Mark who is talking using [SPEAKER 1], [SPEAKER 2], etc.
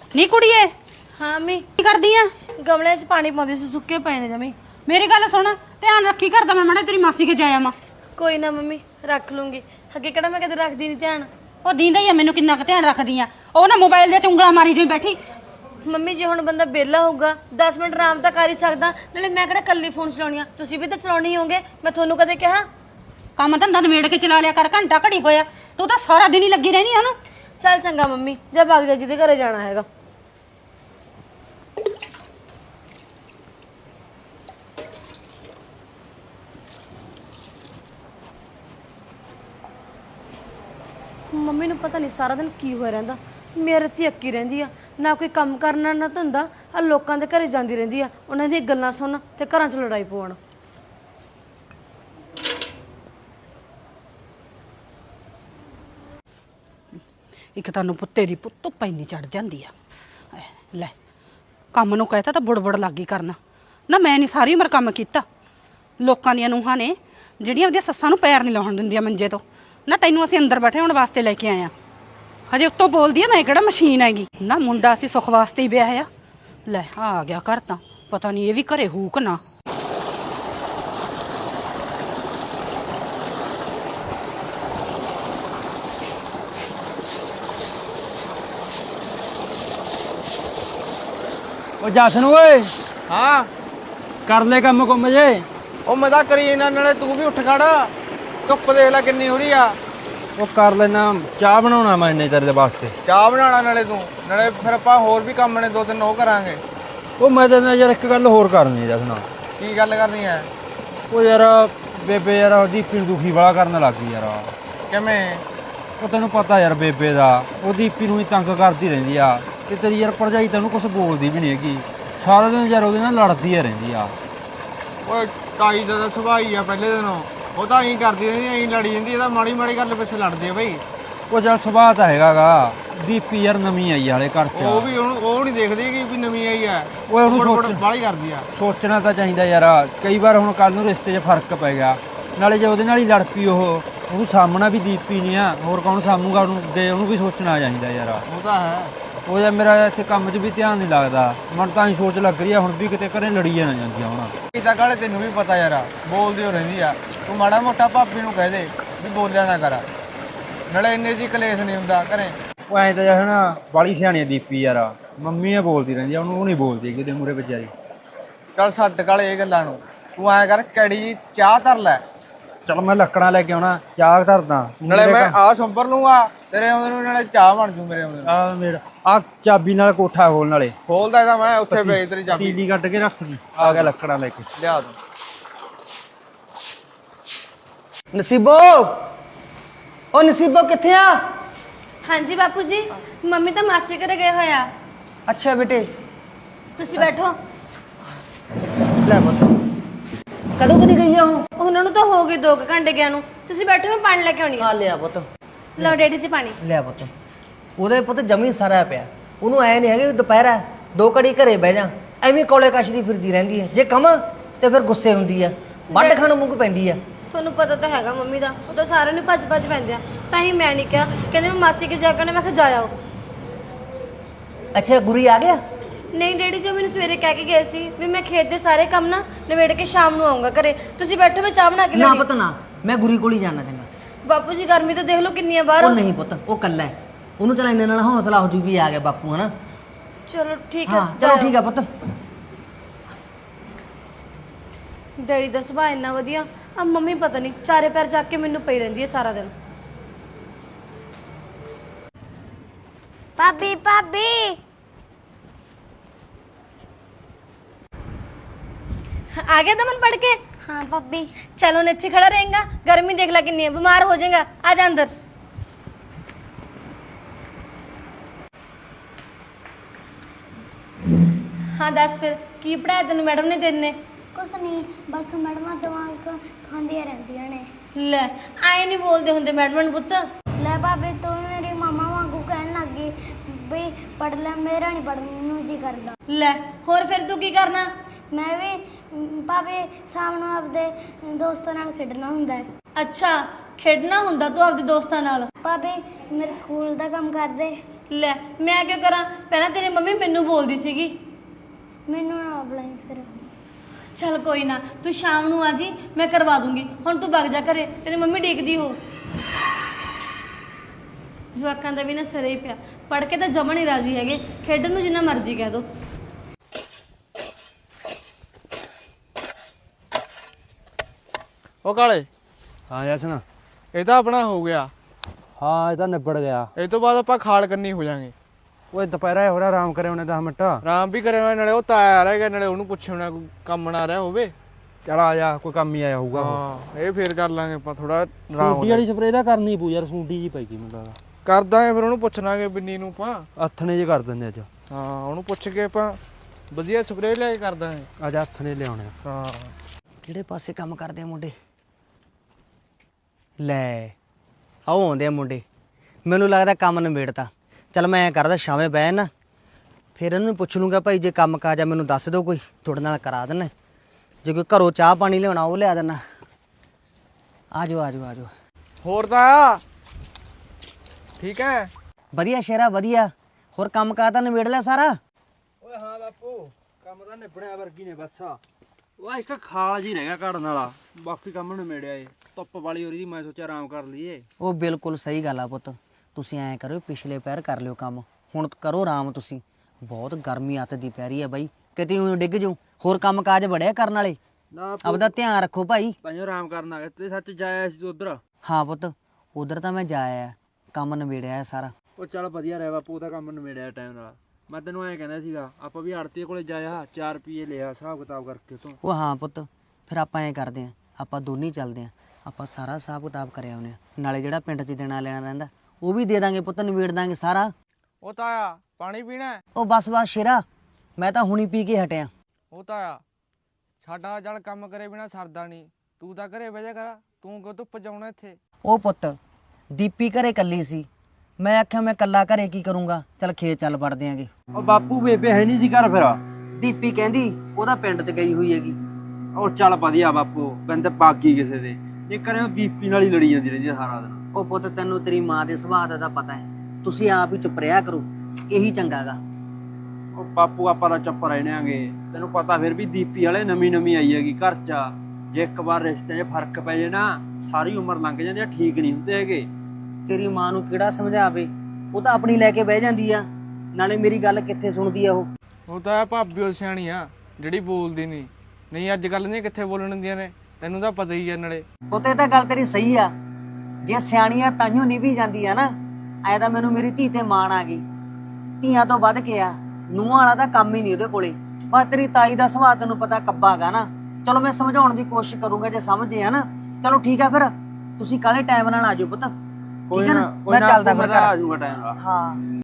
[SPEAKER 1] ਨੀ ਕੁੜੀਏ
[SPEAKER 2] ਹਾਂ ਮੈਂ
[SPEAKER 1] ਕੀ ਕਰਦੀ ਆ?
[SPEAKER 2] ਗਮਲੇ 'ਚ ਪਾਣੀ ਪਾਉਂਦੀ ਸੀ, ਸੁੱਕੇ ਪਏ ਨੇ ਜਮੀ।
[SPEAKER 1] ਮੇਰੀ ਗੱਲ ਸੁਣ, ਧਿਆਨ ਰੱਖੀ ਘਰ ਦਾ। ਮੈਂ ਮਾੜਾ ਤੇਰੀ ਮਾਸੀ ਕੇ ਜਾਇਆ ਮਾਂ।
[SPEAKER 2] ਕੋਈ ਨਾ ਮੰਮੀ, ਰੱਖ ਲੂੰਗੀ। ਅੱਗੇ ਕਿਹੜਾ ਮੈਂ ਕਦੇ ਰੱਖਦੀ ਨਹੀਂ ਧਿਆਨ।
[SPEAKER 1] ਉਹ ਦੀਂਦਾ ਹੀ ਆ ਮੈਨੂੰ ਕਿੰਨਾ ਕੁ ਧਿਆਨ ਰੱਖਦੀ ਆ। ਉਹ ਨਾ ਮੋਬਾਈਲ ਦੇ ਚ ਉਂਗਲਾਂ ਮਾਰੀ ਜਾਈ ਬੈਠੀ।
[SPEAKER 2] ਮੰਮੀ ਜੇ ਹੁਣ ਬੰਦਾ ਵਿਹਲਾ ਹੋਊਗਾ 10 ਮਿੰਟ ਆਰਾਮ ਤਾਂ ਕਰ ਹੀ ਸਕਦਾ। ਨਾਲੇ ਮੈਂ ਕਿਹੜਾ ਕੱਲੀ ਫੋਨ ਚਲਾਉਣੀ ਆ, ਤੁਸੀਂ ਵੀ ਤਾਂ ਚਲਾਉਣੀ ਹੋਗੇ। ਮੈਂ ਤੁਹਾਨੂੰ ਕਦੇ ਕਿਹਾ?
[SPEAKER 1] ਕੰਮ ਧੰਦਾ ਨਿਬੇੜ ਕੇ ਚਲਾ ਲਿਆ ਕਰ, ਘੰਟਾ ਘੜੀ ਹੋਇਆ। ਤੂੰ ਤਾਂ ਸਾਰਾ ਦਿਨ ਹੀ ਲੱਗੀ ਰਹਿਣੀ ਆ ਉਹਨੂੰ।
[SPEAKER 2] ਚੱਲ ਚੰਗਾ ਮੰਮੀ, ਜਾ ਭੱਗ ਜਾ ਜਿਹਦੇ ਘਰੇ ਜਾਣਾ ਹੈਗਾ। ਮੰਮੀ ਨੂੰ ਪਤਾ ਨਹੀਂ ਸਾਰਾ ਦਿਨ ਕੀ ਹੋਇਆ ਰਹਿੰਦਾ। ਮੇਰੇ ਤੇ ਅੱਕੀ ਰਹਿੰਦੀ ਆ, ਨਾ ਕੋਈ ਕੰਮ ਕਰਨਾ ਨਾ ਧੰਦਾ। ਆ ਲੋਕਾਂ ਦੇ ਘਰੇ ਜਾਂਦੀ ਰਹਿੰਦੀ ਆ, ਉਹਨਾਂ ਦੀਆਂ ਗੱਲਾਂ ਸੁਣ ਤੇ ਘਰਾਂ 'ਚ ਲੜਾਈ ਪਵਾਉਣ।
[SPEAKER 1] ਇੱਕ ਤੁਹਾਨੂੰ ਪੁੱਤੇ ਦੀ ਪੁੱਤੋਂ ਪੈਣੀ ਚੜ ਜਾਂਦੀ ਆ। ਲੈ ਕੰਮ ਨੂੰ ਕਹਿਤਾ ਤਾਂ ਬੁੜਬੁੜ ਲੱਗੀ ਕਰਨਾ। ਨਾ ਮੈਂ ਨਹੀਂ ਸਾਰੀ ਉਮਰ ਕੰਮ ਕੀਤਾ। ਲੋਕਾਂ ਦੀਆਂ ਨੂੰਹਾਂ ਨੇ ਜਿਹੜੀਆਂ ਉਹਦੀਆਂ ਸੱਸਾਂ ਨੂੰ ਪੈਰ ਨਹੀਂ ਲਾਉਣ ਦਿੰਦੀਆਂ ਮੰਜੇ ਤੋਂ। ਨਾ ਤੈਨੂੰ ਅਸੀਂ ਅੰਦਰ ਬੈਠੇ ਹੋਣ ਵਾਸਤੇ ਲੈ ਕੇ ਆਏ ਆ। ਹਜੇ ਉੱਤੋਂ ਬੋਲਦੀ ਆ ਮੈਂ ਕਿਹੜਾ ਮਸ਼ੀਨ ਹੈਗੀ। ਨਾ ਮੁੰਡਾ ਅਸੀਂ ਸੁੱਖ ਵਾਸਤੇ ਹੀ ਵਿਆਹਿਆ। ਲੈ ਆ ਗਿਆ ਘਰ ਤਾਂ ਪਤਾ ਨਹੀਂ ਇਹ ਵੀ ਘਰੇ ਹੂਕ ਨਾ।
[SPEAKER 3] ਉਹ ਜਸਨ ਓਏ,
[SPEAKER 4] ਹਾਂ
[SPEAKER 3] ਕਰ ਲੈ ਕੰਮ ਕੁੰਮ ਜੇ।
[SPEAKER 4] ਉਹ ਮੈਂ ਤਾਂ ਕਰੀ ਇਹਨਾਂ ਨਾਲੇ ਤੂੰ ਵੀ ਉੱਠ ਖੜ। ਧੁੱਪ ਦੇਖ ਲੈ ਕਿੰਨੀ ਹੋ ਰਹੀ ਆ।
[SPEAKER 3] ਉਹ ਕਰ ਲੈਣਾ, ਚਾਹ ਬਣਾਉਣਾ ਮੈਂ ਇੰਨੇ ਤੇਰੇ ਵਾਸਤੇ।
[SPEAKER 4] ਚਾਹ ਬਣਾਉਣਾ ਨਾਲੇ ਤੂੰ, ਨਾਲੇ ਫਿਰ ਆਪਾਂ ਹੋਰ ਵੀ ਕੰਮ ਨੇ 2-3 ਉਹ ਕਰਾਂਗੇ।
[SPEAKER 3] ਉਹ ਮੈਂ ਤੇਰੇ ਨਾਲ ਯਾਰ ਇੱਕ ਗੱਲ ਹੋਰ ਕਰਨੀ ਜਸਨਾ।
[SPEAKER 4] ਕੀ ਗੱਲ ਕਰਨੀ ਹੈ?
[SPEAKER 3] ਉਹ ਯਾਰ ਬੇਬੇ ਯਾਰ ਉਹਦੀ ਪੀਣ ਦੁਖੀ ਵਾਲਾ ਕਰਨ ਲੱਗ ਗਈ ਯਾਰ।
[SPEAKER 4] ਕਿਵੇਂ?
[SPEAKER 3] ਉਹ ਤੈਨੂੰ ਪਤਾ ਯਾਰ ਬੇਬੇ ਦਾ, ਉਹ ਦੀਪੀ ਨੂੰ ਹੀ ਤੰਗ ਕਰਦੀ ਰਹਿੰਦੀ ਆ। ਤੇ ਤੇਰੀ ਯਾਰ ਭਰਜਾਈ ਤੈਨੂੰ ਕੁਝ ਬੋਲਦੀ ਵੀ ਨਹੀਂ ਹੈਗੀ। ਸਾਰਾ ਦਿਨ ਯਾਰ ਉਹਦੇ ਨਾਲ ਲੜਦੀ ਰਹਿੰਦੀ ਆ।
[SPEAKER 4] ਓਏ ਤਾਈ ਦਾ ਤਾਂ ਸੁਭਾਅ ਹੀ ਆ ਪਹਿਲੇ ਦਿਨੋਂ। ਉਹ ਤਾਂ ਐਂ ਕਰਦੀ ਰਹਿੰਦੀ, ਐਂ ਲੜੀ ਜਾਂਦੀ। ਇਹ ਤਾਂ ਮਾੜੀ ਮਾੜੀ ਗੱਲ ਪਿੱਛੇ ਲੜਦੇ ਆ ਬਈ।
[SPEAKER 3] ਉਹ ਚੱਲ ਸੁਭਾਅ ਤਾਂ ਹੈਗਾਗਾ। ਦੀਪੀ ਯਾਰ ਨਵੀਂ ਆਈ ਵਾਲੇ ਘਰ 'ਚ।
[SPEAKER 4] ਉਹ ਵੀ ਉਹ ਨਹੀਂ ਦੇਖਦੀ ਕਿ ਵੀ ਨਵੀਂ ਆਈ ਆ।
[SPEAKER 3] ਓਏ ਉਹਨੂੰ
[SPEAKER 4] ਬਾਹਲੀ ਕਰਦੀ ਆ।
[SPEAKER 3] ਸੋਚਣਾ ਤਾਂ ਚਾਹੀਦਾ ਯਾਰ। ਕਈ ਵਾਰ ਹੁਣ ਕੱਲ ਨੂੰ ਰਿਸ਼ਤੇ 'ਚ ਫਰਕ ਪੈ ਗਿਆ, ਨਾਲੇ ਜੇ ਉਹਦੇ ਨਾਲ ਹੀ ਲੜ ਪਈ ਉਹਨੂੰ ਸਾਹਮਣਾ ਵੀ ਦੀਪੀ ਨਹੀਂ ਆ, ਹੋਰ ਕੌਣ ਸਾਹਮੂਗਾ ਉਹਨੂੰ? ਦੇ ਉਹਨੂੰ ਵੀ ਸੋਚਣਾ ਚਾਹੀਦਾ ਯਾਰ।
[SPEAKER 4] ਉਹ ਤਾਂ ਹੈ।
[SPEAKER 3] ਉਹ ਯਾਰ ਮੇਰਾ ਇੱਥੇ ਕੰਮ 'ਚ ਵੀ ਧਿਆਨ ਨਹੀਂ ਲੱਗਦਾ। ਮਨ ਤਾਂ ਹੀ ਸੋਚ ਲੱਗ ਰਹੀ ਆ ਹੁਣ ਵੀ ਕਿਤੇ ਘਰੇ ਲੜੀ ਨਾ ਜਾਂਦੀਆਂ ਹੁਣ।
[SPEAKER 4] ਤਾਂ ਕਾਲੇ ਤੈਨੂੰ ਵੀ ਪਤਾ ਯਾਰ, ਬੋਲਦੀ ਹੋ ਰਹਿੰਦੀ ਆ। ਤੂੰ ਮਾੜਾ ਮੋਟਾ ਭਾਬੀ ਨੂੰ ਕਹਿ ਦੇ ਵੀ ਬੋਲਿਆ ਨਾ ਕਰ, ਨਾਲੇ ਇੰਨੇ ਜੀ ਕਲੇਸ਼ ਨਹੀਂ ਹੁੰਦਾ ਘਰੇ।
[SPEAKER 3] ਉਹ ਐਂ ਤਾਂ ਯਾਰ ਨਾ ਬਾਲੀ ਸਿਆਣੀ ਆ ਦੀਪੀ ਯਾਰ। ਮੰਮੀ ਆ ਬੋਲਦੀ ਰਹਿੰਦੀ ਆ ਉਹਨੂੰ, ਉਹ ਨਹੀਂ ਬੋਲਦੀ ਕਿਤੇ ਮੂਰੇ ਵਿਚਾਰੀ।
[SPEAKER 4] ਚੱਲ ਛੱਡ ਕਾਲੇ ਇਹ ਗੱਲਾਂ ਨੂੰ। ਤੂੰ ਐਂ ਕਰ, ਕੈੜੀ ਜੀ ਚਾਹ ਧਰ ਲੈ।
[SPEAKER 3] ਚਲ ਮੈਂ ਲੱਕੜਾਂ ਲੈ ਕੇ ਆਉਣਾ, ਚਾਹ ਧਰਦਾ।
[SPEAKER 4] ਨਾਲੇ ਮੈਂ ਆ ਸੰਭਰ ਲੂੰਗਾ ਤੇਰੇ ਆਉਂਦੇ ਨੂੰ, ਨਾਲੇ ਚਾਹ ਬਣ ਜੂ ਮੇਰੇ ਆਉਂਦੇ ਨੂੰ।
[SPEAKER 3] ਆ ਮੇਰਾ ਆ ਚਾਬੀ ਨਾਲ ਕੋਠਾ ਖੋਲ, ਨਾਲੇ
[SPEAKER 4] ਖੋਲਦਾ ਇਹਦਾ ਮੈਂ ਉੱਥੇ ਵੇਚ ਤੇਰੀ ਚਾਬੀ।
[SPEAKER 3] ਤੀਲੀ ਕੱਢ ਕੇ ਰੱਖ ਦੀ। ਆ ਗਿਆ ਲੱਕੜਾਂ ਲੈ ਕੇ।
[SPEAKER 4] ਲਿਆ ਦੂੰ।
[SPEAKER 5] ਨਸੀਬੋ, ਉਹ ਨਸੀਬੋ ਕਿੱਥੇ ਆ?
[SPEAKER 2] ਹਾਂਜੀ ਬਾਪੂ ਜੀ, ਮੰਮੀ ਤਾਂ ਮਾਸੀ ਘਰੇ ਗਏ ਹੋਏ ਆ।
[SPEAKER 5] ਅੱਛਾ ਬੇਟੇ,
[SPEAKER 2] ਤੁਸੀਂ ਬੈਠੋ।
[SPEAKER 5] ਲੈ ਪੁੱਤ, ਕਦੋਂ ਕਦੀ ਗਈ ਆ ਉਹ?
[SPEAKER 2] ਉਹਨਾਂ ਨੂੰ ਤਾਂ ਹੋ ਗਏ 2 ਘੰਟੇ ਗਿਆ ਨੂੰ। ਤੁਸੀਂ ਬੈਠੋ, ਮੈਂ ਪਾਣੀ ਲੈ ਕੇ ਆਉਣੀ ਆ।
[SPEAKER 5] ਆ ਲਿਆ ਪੁੱਤ,
[SPEAKER 2] ਲਓ ਡੈਡੀ ਜੀ ਪਾਣੀ।
[SPEAKER 5] ਲਿਆ ਪੁੱਤ। ਉਹਦੇ ਪੁੱਤ ਜਮੀ ਸਾਰਾ ਪਿਆ। ਉਹਨੂੰ ਐ ਨਹੀਂ ਹੈਗੇ ਦੁਪਹਿਰ ਹੈ 2 ਘੜੀ ਘਰੇ ਬਹਿ ਜਾ। ਐਵੇਂ ਕੋਲੇ ਕਸ਼ਦੀ ਫਿਰਦੀ ਰਹਿੰਦੀ ਹੈ। ਜੇ ਕਵਾਂ ਤੇ ਫਿਰ ਗੁੱਸੇ ਹੁੰਦੀ ਆ, ਵੱਢ ਖਾਣ ਮੁੱਕ ਪੈਂਦੀ ਆ।
[SPEAKER 2] ਤੁਹਾਨੂੰ ਪਤਾ ਤਾਂ ਹੈਗਾ ਮੰਮੀ ਦਾ, ਉਹ ਤਾਂ ਸਾਰਿਆਂ ਨੂੰ ਭੱਜ ਪੈਂਦੇ ਆ। ਤਾਂ ਹੀ ਮੈਂ ਨਹੀਂ ਕਿਹਾ, ਕਹਿੰਦੇ ਮੈਂ ਮਾਸੀ ਕੇ ਜਾ ਕੇ ਮੈਂ ਕਿਹਾ ਜਾ ਆਓ।
[SPEAKER 5] ਅੱਛਾ ਗੁਰੀ ਆ ਗਿਆ?
[SPEAKER 2] ਨਹੀਂ ਡੈਡੀ ਜੀ, ਮੈਨੂੰ ਸਵੇਰੇ ਕਹਿ ਕੇ ਗਏ ਸੀ ਵੀ ਮੈਂ ਖੇਤ ਦੇ ਸਾਰੇ ਕੰਮ ਨਾ ਨਿਬੇੜ ਕੇ ਸ਼ਾਮ ਨੂੰ ਆਉਂਗਾ ਘਰੇ। ਤੁਸੀਂ ਬੈਠੋ, ਮੈਂ ਚਾਹ ਬਣਾ ਕੇ
[SPEAKER 5] ਨਾ
[SPEAKER 2] ਲਿਆਉਣੀ।
[SPEAKER 5] ਪੁੱਤ ਨਾ, ਮੈਂ ਗੁਰੀ ਕੋਲ ਹੀ ਜਾਣਾ ਚੰਗਾ।
[SPEAKER 2] ਬਾਪੂ ਜੀ ਗਰਮੀ ਤਾਂ ਦੇਖ ਲਓ ਕਿੰਨੀ ਆ ਬਾਹਰ।
[SPEAKER 5] ਉਹ ਨਹੀਂ ਪੁੱਤ, ਉਹ ਕੱਲਾ ਹੈ। ਉਹਨੂੰ ਚਲ ਇੰਨੇ ਨਾਲ ਹੌਸਲਾ ਹੋ ਜੂ ਵੀ ਆ ਗਿਆ ਬਾਪੂ ਹਨਾ।
[SPEAKER 2] ਚਲੋ ਠੀਕ ਹੈ।
[SPEAKER 5] ਹਾਂ ਚਲੋ ਠੀਕ ਆ ਪੁੱਤ।
[SPEAKER 2] ਡੈਡੀ ਦਾ ਸੁਭਾਅ ਇੰਨਾ ਵਧੀਆ, ਆ ਮੰਮੀ ਪਤਾ ਨਹੀਂ ਚਾਰੇ ਪੈਰ ਜਾ ਕੇ ਮੈਨੂੰ ਪਈ ਰਹਿੰਦੀ ਹੈ ਸਾਰਾ ਦਿਨ।
[SPEAKER 6] ਭਾਬੀ ਭਾਬੀ,
[SPEAKER 2] ਆ ਗਿਆ ਦਮਨ ਪੜ ਕੇ?
[SPEAKER 6] ਹਾਂ ਭਾਬੀ।
[SPEAKER 2] ਚਲੋ ਹੁਣ ਇੱਥੇ ਖੜਾ ਰਹੇਗਾ, ਗਰਮੀ ਦੇਖ ਲੈ ਕਿੰਨੀ ਹੈ, ਬਿਮਾਰ ਹੋ ਜਾਏਗਾ। ਆ ਜਾ ਅੰਦਰ। ਹਾਂ ਦੱਸ ਫਿਰ ਕੀ ਪੜਾਇਆ ਤੈਨੂੰ ਮੈਡਮ ਨੇ ਦਿਨ ਨੇ?
[SPEAKER 6] ਕੁਛ ਨਹੀਂ, ਬਸ ਮੈਡਮਾਂ ਦਿਮਾਗ ਖਾਂਦੀਆਂ ਰਹਿੰਦੀਆਂ ਨੇ।
[SPEAKER 2] ਲੈ ਆਏ ਨਹੀਂ ਬੋਲਦੇ ਹੁੰਦੇ ਮੈਡਮ ਨੂੰ ਪੁੱਤ।
[SPEAKER 6] ਲੈ ਭਾਬੀ, ਤੂੰ ਮੇਰੀ ਮਾਮਾ ਵਾਂਗੂ ਕਹਿਣ ਲੱਗੀ ਵੀ ਪੜ ਲੈ, ਮੇਰਾ ਨਹੀਂ ਪੜਨ ਨੂੰ ਜੀ ਕਰਦਾ।
[SPEAKER 2] ਲੈ ਹੋਰ ਫਿਰ ਤੂੰ ਕੀ ਕਰਨਾ?
[SPEAKER 6] ਮੈਂ ਵੀ ਭਾਬੀ ਸ਼ਾਮ ਨੂੰ ਆਪਦੇ ਦੋਸਤਾਂ ਨਾਲ ਖੇਡਣਾ ਹੁੰਦਾ ਹੈ।
[SPEAKER 2] ਅੱਛਾ ਖੇਡਣਾ ਹੁੰਦਾ ਤੂੰ ਆਪਦੇ ਦੋਸਤਾਂ ਨਾਲ?
[SPEAKER 6] ਭਾਬੀ ਮੇਰੇ ਸਕੂਲ ਦਾ ਕੰਮ ਕਰਦੇ।
[SPEAKER 2] ਲੈ ਮੈਂ ਕਿਉਂ ਕਰਾਂ? ਪਹਿਲਾਂ ਤੇਰੀ ਮੰਮੀ ਮੈਨੂੰ ਬੋਲਦੀ ਸੀਗੀ।
[SPEAKER 6] ਮੈਨੂੰ ਨਾ ਬੁਲਾਈ ਫਿਰ।
[SPEAKER 2] ਚੱਲ ਕੋਈ ਨਾ, ਤੂੰ ਸ਼ਾਮ ਨੂੰ ਆ ਜੀ, ਮੈਂ ਕਰਵਾ ਦੂੰਗੀ। ਹੁਣ ਤੂੰ ਵਗ ਜਾ ਘਰੇ, ਤੇਰੀ ਮੰਮੀ ਡੀਕਦੀ ਹੋ। ਜਵਾਕਾਂ ਦਾ ਵੀ ਨਾ ਸਿਰੇ ਹੀ ਪਿਆ, ਪੜ ਕੇ ਤਾਂ ਜਮਾ ਨਹੀਂ ਰਾਜ਼ੀ ਹੈਗੇ, ਖੇਡਣ ਨੂੰ ਜਿੰਨਾ ਮਰਜ਼ੀ ਕਹਿ ਦੋ।
[SPEAKER 4] ਉਹ ਕਾਲੇ,
[SPEAKER 3] ਹਾਂ ਜਸਨ,
[SPEAKER 4] ਇਹ ਤਾਂ ਆਪਣਾ ਹੋ ਗਿਆ।
[SPEAKER 3] ਹਾਂ ਇਹ ਤਾਂ ਨਿਬੜ ਗਿਆ।
[SPEAKER 4] ਇਹ ਤੋਂ ਬਾਅਦ ਆਪਾਂ ਖਾਲ ਕਰਨੀ ਹੋ ਜਾਾਂਗੇ।
[SPEAKER 3] ਓਏ ਦੁਪਹਿਰਾ ਹੋ ਰਿਹਾ, ਆਰਾਮ ਕਰੇ ਉਹਨੇ 10 ਮਿੰਟ।
[SPEAKER 4] ਆਰਾਮ ਵੀ ਕਰਿਆ ਨਾਲੇ ਉਹ ਤਾਇਆ ਆ ਰਿਹਾ, ਨਾਲੇ ਉਹਨੂੰ ਪੁੱਛਣਾ ਕੋਈ ਕੰਮ ਨਾ ਰਿਹਾ ਹੋਵੇ।
[SPEAKER 3] ਚਲ ਆ ਜਾ, ਕੋਈ ਕੰਮ ਹੀ ਆਇਆ ਹੋਊਗਾ।
[SPEAKER 4] ਹਾਂ ਇਹ ਫੇਰ ਕਰ ਲਾਂਗੇ ਆਪਾਂ ਥੋੜਾ ਆਰਾਮ
[SPEAKER 3] ਸੂਡੀ ਵਾਲੀ ਸਪਰੇਅ ਦਾ ਕਰਨੀ ਪੂ ਯਾਰ, ਸੂਡੀ ਜੀ ਪਈ ਕੀ ਮੁੰਡਾ ਦਾ।
[SPEAKER 4] ਕਰ ਦਾਂਗੇ, ਫਿਰ ਉਹਨੂੰ ਪੁੱਛ ਲਾਂਗੇ ਬਿੰਨੀ ਨੂੰ ਆਪਾਂ।
[SPEAKER 3] ਹੱਥਨੇ ਜੇ ਕਰ ਦਿੰਦੇ ਅੱਜ।
[SPEAKER 4] ਹਾਂ ਉਹਨੂੰ ਪੁੱਛ ਕੇ ਆਪਾਂ ਵਧੀਆ ਸਪਰੇਅ ਲੈ ਕੇ ਕਰ ਦਾਂਗੇ।
[SPEAKER 3] ਅੱਜ ਹੱਥਨੇ ਲਿਆਉਣੇ ਆ।
[SPEAKER 4] ਹਾਂ
[SPEAKER 5] ਕਿਹੜੇ ਪਾਸੇ ਕੰਮ ਕਰਦੇ ਆ ਮੁੰਡੇ? ਲੈ ਆਓ ਆਉਂਦੇ ਆ ਮੁੰਡੇ। ਮੈਨੂੰ ਲੱਗਦਾ ਕੰਮ ਨਿਬੇੜਤਾ। ਚੱਲ ਮੈਂ ਐਂ ਕਰਦਾ, ਸ਼ਾਮੇ ਬਹਿ ਨਾ, ਫਿਰ ਇਹਨੂੰ ਪੁੱਛ ਲੂੰਗਾ ਭਾਈ ਜੇ ਕੰਮ ਕਾਜ ਆ ਮੈਨੂੰ ਦੱਸ ਦਿਓ, ਕੋਈ ਤੁਹਾਡੇ ਨਾਲ ਕਰਾ ਦੇਣਾ। ਜੇ ਕੋਈ ਘਰੋਂ ਚਾਹ ਪਾਣੀ ਲਿਆਉਣਾ ਉਹ ਲਿਆ ਦੇਣਾ। ਆ ਜਾਓ ਆ ਜਾਓ ਆ ਜਾਓ।
[SPEAKER 4] ਹੋਰ ਤਾਂ ਠੀਕ ਹੈ।
[SPEAKER 5] ਵਧੀਆ ਸ਼ੇਰਾ ਵਧੀਆ। ਹੋਰ ਕੰਮ ਕਾਰ ਤਾਂ ਨਿਬੇੜ ਲਿਆ ਸਾਰਾ?
[SPEAKER 3] ਓਏ ਹਾਂ ਬਾਪੂ, ਕੰਮ ਤਾਂ ਨਿਬੜਿਆ ਵਰਗੀ ਨੇ ਬਸ। ਉਹ ਇੱਕ ਖਾਲ ਜੀ ਰਹਿ ਗਿਆ ਘੜਨ ਵਾਲਾ, ਬਾਕੀ ਕੰਮ ਨਿਬੜਿਆ ਏ। ਧੁੱਪ ਵਾਲੀ ਹੋ ਰਹੀ ਸੀ, ਮੈਂ ਸੋਚਿਆ ਆਰਾਮ ਕਰ ਲਈਏ।
[SPEAKER 5] ਉਹ ਬਿਲਕੁਲ ਸਹੀ ਗੱਲ ਆ ਪੁੱਤ। ਤੁਸੀਂ ਐਂ ਕਰੋ, ਪਿਛਲੇ ਪੈਰ ਕਰ ਲਿਓ ਕੰਮ, ਹੁਣ ਕਰੋ ਆਰਾਮ ਤੁਸੀਂ। ਬਹੁਤ ਗਰਮੀ ਅੱਤ ਦੀ ਪੈ ਰਹੀ ਆ ਬਾਈ, ਕਿਤੇ ਊਂ ਡਿੱਗ ਜਾਓ। ਹੋਰ ਕੰਮ ਕਾਜ ਬੜਿਆ ਕਰਨ ਵਾਲੇ,
[SPEAKER 3] ਨਾ
[SPEAKER 5] ਆਪਦਾ ਧਿਆਨ ਰੱਖੋ ਭਾਈ।
[SPEAKER 3] ਤਾਂਹੀਓ ਆਰਾਮ ਕਰਨ ਆ ਗਿਆ। ਤੇ ਸੱਚ ਜਾਇਆ ਸੀ ਉਧਰ?
[SPEAKER 5] ਹਾਂ ਪੁੱਤ, ਉਧਰ ਤਾਂ ਮੈਂ ਜਾ ਆਇਆ, ਕੰਮ ਨਿਬੇੜਿਆ ਸਾਰਾ।
[SPEAKER 3] ਉਹ ਚੱਲ ਵਧੀਆ ਰਿਹਾ ਬਾਪੂ, ਉਹਦਾ ਕੰਮ ਨਿਬੇੜਿਆ ਟਾਈਮ ਨਾਲ। ਮੈਂ ਤੈਨੂੰ ਐਂ ਕਹਿੰਦਾ ਸੀਗਾ, ਆਪਾਂ ਵੀ ਆੜਤੀਏ ਕੋਲੇ ਜਾਇਆ, 4 ਰੁਪਏ ਲਿਆ ਹਿਸਾਬ ਕਿਤਾਬ ਕਰਕੇ ਉਤੋਂ।
[SPEAKER 5] ਉਹ ਹਾਂ ਪੁੱਤ, ਫਿਰ ਆਪਾਂ ਐਂ ਕਰਦੇ ਆਂ, ਆਪਾਂ ਦੋਨੇ ਚੱਲਦੇ ਆਂ, ਆਪਾਂ ਸਾਰਾ ਹਿਸਾਬ ਕਿਤਾਬ ਕਰਿਆ ਆਉਂਦੇ ਆਂ। ਨਾਲੇ ਜਿਹੜਾ ਪਿੰਡ 'ਚ ਦੇਣਾ ਲੈਣਾ ਰਹਿੰਦਾ ਉਹ ਵੀ ਦੇ ਦਾਂਗੇ ਪੁੱਤ, ਨਿਬੇੜ ਦਾਂਗੇ ਸਾਰਾ।
[SPEAKER 4] ਉਹ ਤਾਇਆ ਪਾਣੀ ਪੀਣਾ ਹੈ?
[SPEAKER 5] ਉਹ ਬਸ ਬਸ ਸ਼ੇਰਾ, ਮੈਂ ਤਾਂ ਹੁਣੀ ਪੀ ਕੇ ਹਟਿਆ।
[SPEAKER 4] ਉਹ ਤਾਇਆ ਸਾਡਾ ਜਲ ਕੰਮ ਕਰੇ ਬਿਨਾ ਸਰਦਾ ਨਹੀਂ। ਤੂੰ ਤਾਂ ਘਰੇ ਬਹਿ ਜਾ ਕਰ, ਤੂੰ ਕਿਉਂ ਧੁੱਪ ਜਾਉਣਾ ਇੱਥੇ?
[SPEAKER 5] ਉਹ ਪੁੱਤ ਦੀਪੀ ਘਰੇ ਕੱਲੀ ਸੀ, ਮੈਂ ਆਖਿਆ ਮੈਂ ਕੱਲਾ ਘਰੇ ਕੀ ਕਰੂੰਗਾ, ਚੱਲ ਖੇਤ ਚੱਲ ਵੜਦੇ ਆਂਗੇ।
[SPEAKER 3] ਉਹ ਬਾਪੂ ਬੇਬੇ ਹੈ ਨਹੀਂ ਸੀ ਘਰ ਫਿਰ?
[SPEAKER 5] ਦੀਪੀ ਕਹਿੰਦੀ ਉਹਦਾ ਪਿੰਡ 'ਚ ਗਈ ਹੋਈ ਹੈਗੀ।
[SPEAKER 3] ਉਹ ਚੱਲ ਵਧੀਆ ਬਾਪੂ, ਕਹਿੰਦੇ ਬਾਗੀ ਕਿਸੇ ਦੇ ਇਹ ਕਰੇ, ਉਹ ਦੀਪੀ ਨਾਲ ਹੀ ਲੜੀ ਜਾਂਦੀ ਰਹਿੰਦੀ ਆ ਸਾਰਾ ਦਿਨ।
[SPEAKER 5] ਉਹ ਪੁੱਤ ਤੈਨੂੰ ਤੇਰੀ ਮਾਂ ਦੇ ਸੁਭਾਅ ਦਾ ਤਾਂ ਪਤਾ ਹੈ, ਤੁਸੀਂ ਆਪ ਹੀ ਚੁੱਪ ਰਿਹਾ ਕਰੋ, ਇਹੀ ਚੰਗਾਗਾ।
[SPEAKER 3] ਉਹ ਬਾਪੂ ਆਪਾਂ ਤਾਂ ਚੁੱਪ ਰਹਿਣੇ ਆਂਗੇ, ਤੈਨੂੰ ਪਤਾ ਫਿਰ ਵੀ ਦੀਪੀ ਵਾਲੇ ਨਵੀਂ ਆਈ ਹੈਗੀ ਘਰ 'ਚ। ਜੇ ਇੱਕ ਵਾਰ ਰਿਸ਼ਤੇ 'ਚ ਫਰਕ ਪੈ ਜੇ ਨਾ, ਸਾਰੀ ਉਮਰ ਲੰਘ ਜਾਂਦੀ ਆ, ਠੀਕ ਨਹੀਂ ਹੁੰਦੇ ਹੈਗੇ।
[SPEAKER 5] ਤੇਰੀ ਮਾਂ ਨੂੰ ਕਿਹੜਾ ਸਮਝਾਵੇ, ਉਹ ਤਾਂ ਆਪਣੀ ਲੈ ਕੇ ਬਹਿ ਜਾਂਦੀ ਆ, ਨਾਲੇ ਮੇਰੀ ਗੱਲ ਕਿੱਥੇ ਸੁਣਦੀ ਆ ਉਹ।
[SPEAKER 4] ਉਹ ਤਾਂ ਭਾਬੀ ਉਹ ਸਿਆਣੀ ਆ ਜਿਹੜੀ ਬੋਲਦੀ ਨਹੀਂ ਅੱਜ ਕੱਲ ਨਹੀਂ ਕਿੱਥੇ ਬੋਲਣ ਦਿੰਦੀਆਂ ਨੇ, ਤੈਨੂੰ ਤਾਂ ਪਤਾ ਹੀ ਆ। ਨਾਲੇ
[SPEAKER 5] ਪੁੱਤ ਇਹ ਤਾਂ ਗੱਲ ਤੇਰੀ ਸਹੀ ਆ, ਜੇ ਸਿਆਣੀਆਂ ਤਾਈਓ ਨਿਭੀ ਜਾਂਦੀ ਆ ਨਾ। ਐ ਤਾਂ ਮੈਨੂੰ ਮੇਰੀ ਧੀ ਤੇ ਮਾਣ ਆ ਗਈ, ਧੀਆਂ ਤੋਂ ਵੱਧ ਕੇ ਆ। ਨੂੰਹਾਂ ਵਾਲਾ ਤਾਂ ਕੰਮ ਹੀ ਨਹੀਂ ਉਹਦੇ ਕੋਲੇ। ਪਰ ਤੇਰੀ ਤਾਈ ਦਾ ਸੁਭਾਅ ਤੈਨੂੰ ਪਤਾ ਕੱਬਾ ਹੈਗਾ ਨਾ। ਚਲੋ ਮੈਂ ਸਮਝਾਉਣ ਦੀ ਕੋਸ਼ਿਸ਼ ਕਰੂੰਗਾ ਜੇ ਸਮਝੇ ਆ ਨਾ। ਚਲੋ ਠੀਕ ਆ, ਫਿਰ ਤੁਸੀਂ ਕਾਹਲੇ ਟਾਈਮ ਨਾਲ ਆ ਜਾਓ ਪੁੱਤ, ਠੀਕ ਹੈ ਨਾ? ਮੈਂ ਚੱਲਦਾ ਫਿਰ
[SPEAKER 3] ਆ ਜਾਊਗਾ ਟਾਈਮ ਨਾਲ।
[SPEAKER 5] ਹਾਂ।